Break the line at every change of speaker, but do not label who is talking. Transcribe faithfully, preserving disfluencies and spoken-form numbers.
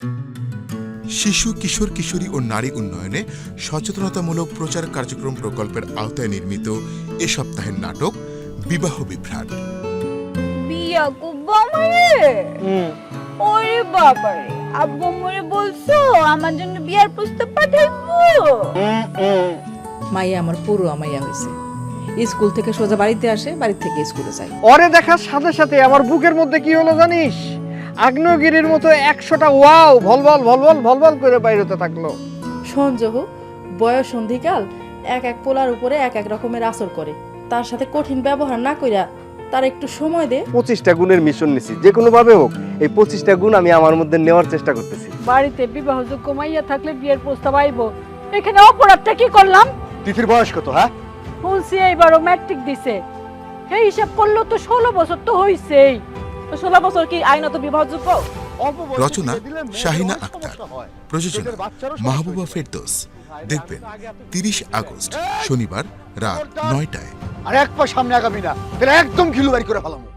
শিশু কিশোর কিশোরী ও নারী উন্নয়নে সচেতনতামূলক প্রচার কার্যক্রম প্রকল্পের আওতায় নির্মিত এ সপ্তাহের নাটক বিবাহ বিভ্রাট।
বিয়া করবো আমারে? ওরে বাবারে, আব্বু মরে বলছো আমার জন্য বিয়ার প্রস্তাব পাঠাইবো?
মাইয়া আমার পুরো মাইয়া হয়েছে, স্কুল থেকে সোজা বাড়িতে আসে, বাড়ি থেকে স্কুলে যায়।
ওরে দেখার সাথে সাথে আমার বুকের মধ্যে কি হলো জানিস? আগ্নেয়গিরির মতো একশোটা ওয়াও ভলভল ভলভল ভলভল করে বাইরেতে থাকলো।
সঞ্জহ বয়স সন্ধিকাল এক এক পোলার উপরে এক এক রকমের আসর করে, তার সাথে কঠিন ব্যবহার না কইরা তার একটু সময় দে।
পঁচিশটা গুণের মিশন নিছি, যে কোনো ভাবে হোক এই পঁচিশটা গুণ আমি আমার মধ্যে নেওয়ার চেষ্টা করতেছি।
বাড়িতে বিবাহযোগ্য মাইয়া থাকলে বিয়ের প্রস্তাব আইবো, এখানে অপরাধটা কি করলাম?
তিথির বয়স কত? হ্যাঁ,
শুনছি এইবারও ম্যাট্রিক দিছে, এই হিসাব করলো তো ষোলো বছর তো হইছেই।
ষোলো বছর কি আইনত বিবাহযোগ্য?
রচনা শাহিনা আক্তার, প্রযোজনা মাহবুবা ফেরদৌস। দেখবেন তিরিশ আগস্ট শনিবার রাত নয়টায়।
আর এক পা সামনে আগামী না, তাহলে একদম ঘিলু বাড়ি করে ফেলাম।